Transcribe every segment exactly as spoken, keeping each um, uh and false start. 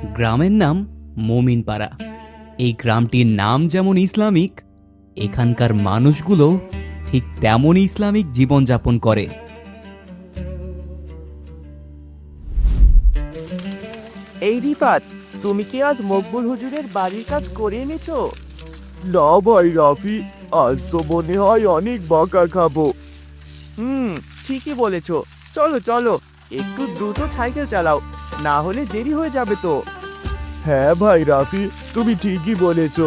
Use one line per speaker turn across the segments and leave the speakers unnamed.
গ্রামের নাম মোমিনপাড়া। এই গ্রামটির নাম যেমন ইসলামিক, এখানকার মানুষগুলো ঠিক তেমনই ইসলামিক জীবনযাপন করে।
এই রিফাত, তুমি কি আজ মকবুল হুজুরের বাড়ির কাজ করে এনেছো? না ভাই রাফি, আজ তো মনে হয় অনেক বকা খাবো। হুম, ঠিকই বলেছো। চলো চলো, একটু দ্রুত সাইকেল চালাও, না হলে দেরি হয়ে যাবে তো। হ্যাঁ ভাই রাফি, তুমি ঠিকই বলেছো।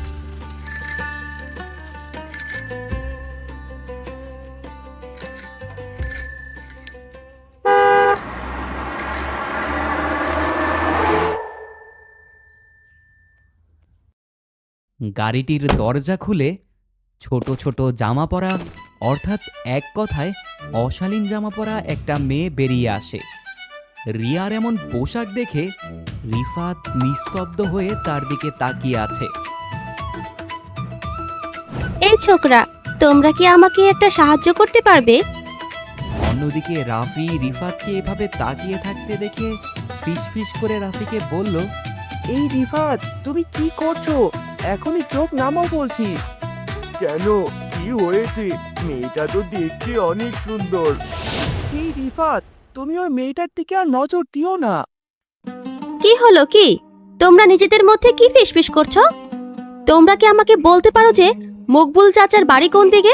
গাড়িটির দরজা খুলে ছোট ছোট জামা পরা, অর্থাৎ এক কথায় অশালীন জামা পরা একটা মেয়ে বেরিয়ে আসে। রিয়ার এমন পোশাক দেখে রিফাত নিস্তব্ধ হয়ে তার দিকে তাকিয়ে আছে।
এই ছোকরা, তোমরা কি আমাকে একটা সাহায্য করতে পারবে?
অন্যদিকে রাফি রিফাতকে এভাবে তাকিয়ে থাকতে দেখে ফিসফিস করে রাফিকে বলল,
এই রিফাত, তুমি কি করছো? এখনই চোখ নামাও বলছি। কেন, কি হয়েছে? মেয়েটা তো দেখতে অনেক সুন্দর। সেই রিফাত, তুমি ওই মেয়েটার দিকে আর নজর দিও না।
কি হলো কি? তোমরা নিজেদের মধ্যে কি ফিসফিস করছো? তোমরা কি আমাকে বলতে পারো যে মকবুল চাচার বাড়ি কোন দিকে?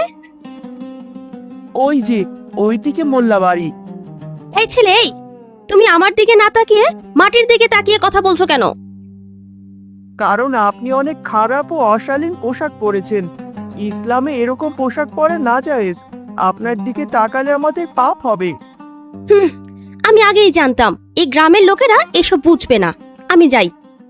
ওই যে, ওই দিকে মোল্লা বাড়ি।
এই ছেলে, এই তুমি আমার দিকে না তাকিয়ে মাটির দিকে তাকিয়ে কথা বলছো কেন?
কারণ আপনি অনেক খারাপ ও অশালীন পোশাক পরেছেন। ইসলামে এরকম পোশাক পরা না জায়েজ। আপনার দিকে তাকালে আমাদের পাপ হবে।
হুম, আমি আগেই জানতাম এই গ্রামের লোকেরা এসব বুঝবে না। আমি যাই।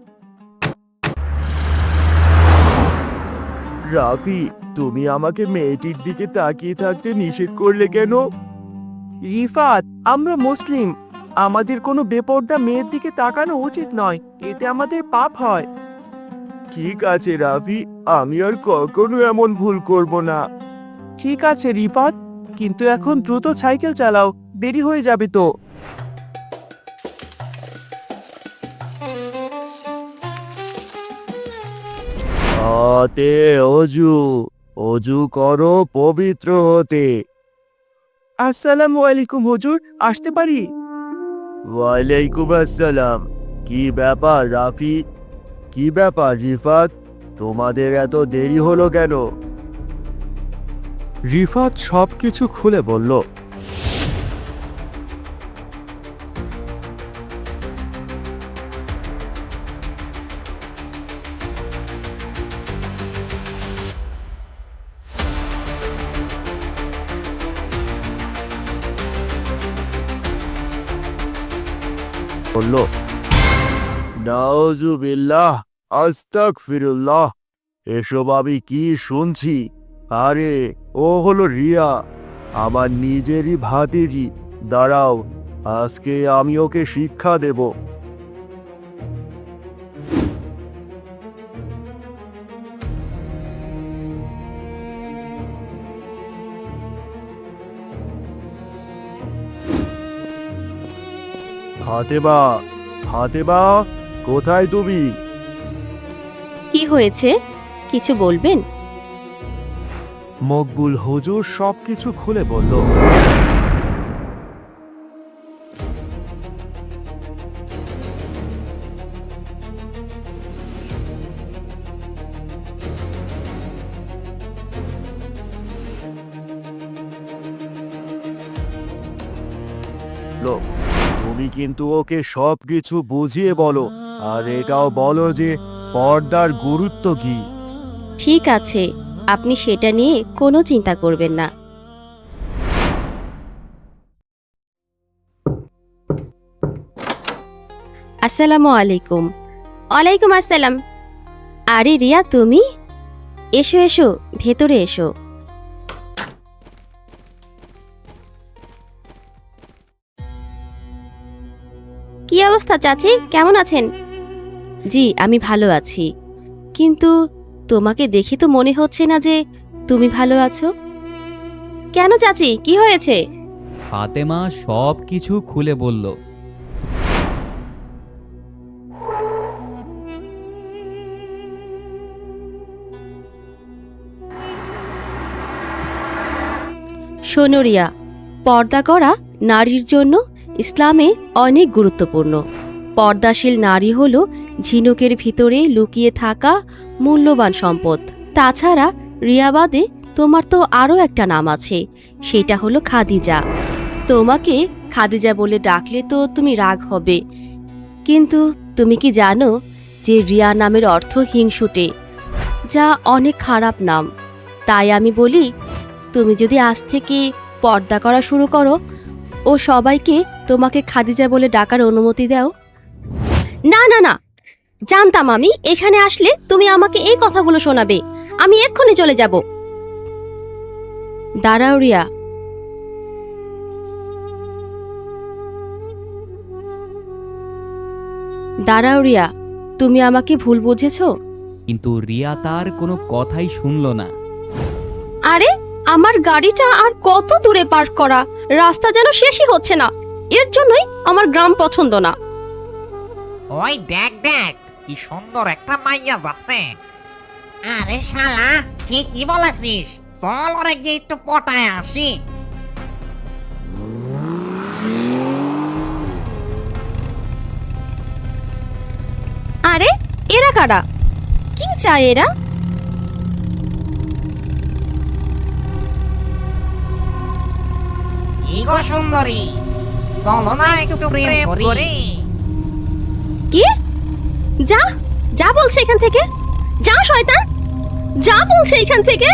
রাফি, তুমি আমাকে মেয়েটির দিকে তাকিয়ে থাকতে নিষেধ করলে কেন? রিফাত, আমরা মুসলিম, আমাদের কোনো বেপর্দা মেয়ের দিকে তাকানো উচিত নয়, এতে আমাদের পাপ হয়। ঠিক আছে রাফি, আমি আর কখনো এমন ভুল করব না। ঠিক আছে রিফাত, কিন্তু এখন দ্রুত সাইকেল চালাও, দেরি হয়ে যাবে তো। হাতে অজু, অজু করো পবিত্র হতে। আসসালামু আলাইকুম হুজুর, আসতে পারি? ওয়ালাইকুম আসসালাম। কি ব্যাপার রাফি? কি ব্যাপার রিফাত, তোমাদের এত দেরি হলো কেন? রিফাত সবকিছু খুলে বলল। বলল, নাউজুবিল্লাহ, আস্তাগফিরুল্লাহ, এসব আমি কি শুনছি? আরে, ও হলো রিয়া, আমার নিজেরই ভাতিজি। দাঁড়াও, আজকে আমি ওকে শিক্ষা দেব। ফাতেমা, ফাতেমা, কোথায় তুমি?
কি হয়েছে? কিছু বলবেন?
মকবুল হুজুর সবকিছু খুলে বলল। তুমি কিন্তু ওকে সবকিছু বুঝিয়ে বলো, আর এটাও বলো যে পর্দার গুরুত্ব কি।
ঠিক আছে, আপনি সেটা নিয়ে কোনো চিন্তা করবেন না। আসসালামু আলাইকুম। ওয়ালাইকুম আসসালাম। আরে রিয়া, তুমি? এসো এসো, ভেতরে এসো। কি অবস্থা চাচি, কেমন আছেন? জি, আমি ভালো আছি, কিন্তু তোমাকে দেখে তো মনে হচ্ছে না যে তুমি ভালো আছো। কেন চাচি, কি হয়েছে?
ফাতেমা সব কিছু খুলে বলল।
শোনো রিয়া, পর্দা করা নারীর জন্য ইসলামে অনেক গুরুত্বপূর্ণ। পর্দাশীল নারী হল ঝিনুকের ভিতরে লুকিয়ে থাকা মূল্যবান সম্পদ। তাছাড়া রিয়া বাদে তোমার তো আরও একটা নাম আছে, সেটা হলো খাদিজা। তোমাকে খাদিজা বলে ডাকলে তো তুমি রাগ হবে, কিন্তু তুমি কি জানো যে রিয়া নামের অর্থ হিংসুটে, যা অনেক খারাপ নাম। তাই আমি বলি, তুমি যদি আজ থেকে পর্দা করা শুরু করো ও সবাইকে তোমাকে খাদিজা বলে ডাকার অনুমতি দাও। না না না, জানতাম আমি এখানে আসলে তুমি আমাকে এই কথাগুলো শোনাবে। আমি এক্ষুনি চলে যাব। দাঁড়াও রিয়া, দাঁড়াও রিয়া, তুমি আমাকে ভুল বুঝেছো।
কিন্তু রিয়া তার কোনো কথাই শুনল না।
আরে, আমার গাড়িটা আর কত দূরে পার্ক করা, রাস্তা যেন শেষই হচ্ছে না। এর জন্যই আমার গ্রাম পছন্দ না।
ওই দেখ দেখ, কি সুন্দর একটা মাইয়া যাচ্ছে। আরে শালা, ঠিকই বলেছিস, চল ওরে গিয়ে একটু পটায় আসি।
আরে, এরা কারা? কি চায় এরা?
কি গো সুন্দরী, চলো না একটু প্রেম করি।
কি? যা যা বলছে এখান থেকে, যা শয়তান, যা বলছে এখান থেকে।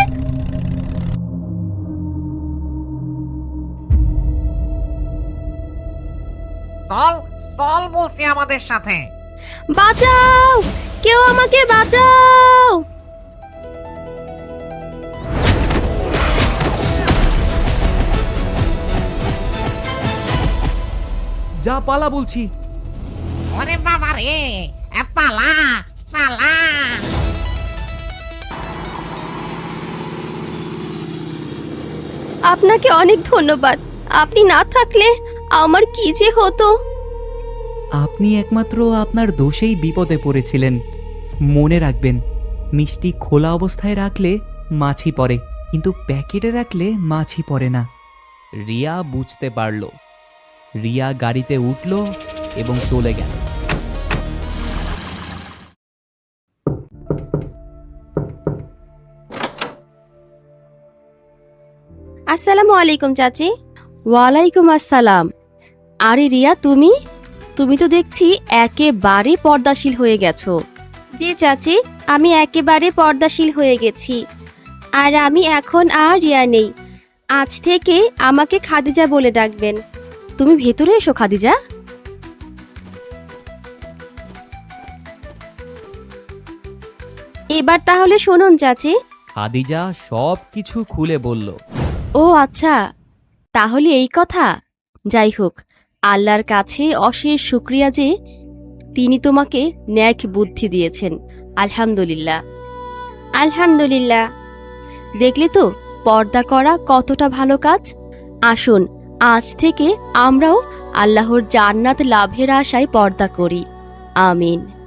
চল চল বলছি আমাদের সাথে।
বাঁচাও, কেউ আমাকে বাঁচাও।
যা পালা বলছি।
ওরে বাবা রে, এ পালা পালা।
আপনাকে অনেক ধন্যবাদ। আপনি না থাকলে আমার কি যে হতো।
আপনি একমাত্র আপনার দোষেই বিপদে পড়েছিলেন। মনে রাখবেন, মিষ্টি খোলা অবস্থায় রাখলে মাছি পড়ে, কিন্তু প্যাকেটে রাখলে মাছি পড়ে না। রিয়া বুঝতে পারল। রিয়া গাড়িতে উঠল এবং চলে গেল।
আসসালামু আলাইকুম চাচি। ওয়ালাইকুম আসসালাম। আরে রিয়া, তুমি তুমি তো দেখছি একেবারে পর্দাশীল হয়ে গেছো। জি চাচি, আমি একেবারে পর্দাশীল হয়ে গেছি। আর আমি এখন আর রিয়া নেই। আজ থেকে আমাকে খাদিজা বলে ডাকবেন। তুমি ভেতরে এসো খাদিজা। এবার তাহলে শুনুন চাচি।
খাদিজা সব কিছু খুলে বলল।
ও আচ্ছা, তাহলে এই কথা। যাই হোক, আল্লাহর কাছে অশেষ শুকরিয়া যে তিনি তোমাকে ন্যাক বুদ্ধি দিয়েছেন। আলহামদুলিল্লাহ আলহামদুলিল্লাহ। দেখলে তো পর্দা করা কতটা ভালো কাজ। আসুন, আজ থেকে আমরাও আল্লাহর জান্নাত লাভের আশায় পর্দা করি। আমিন।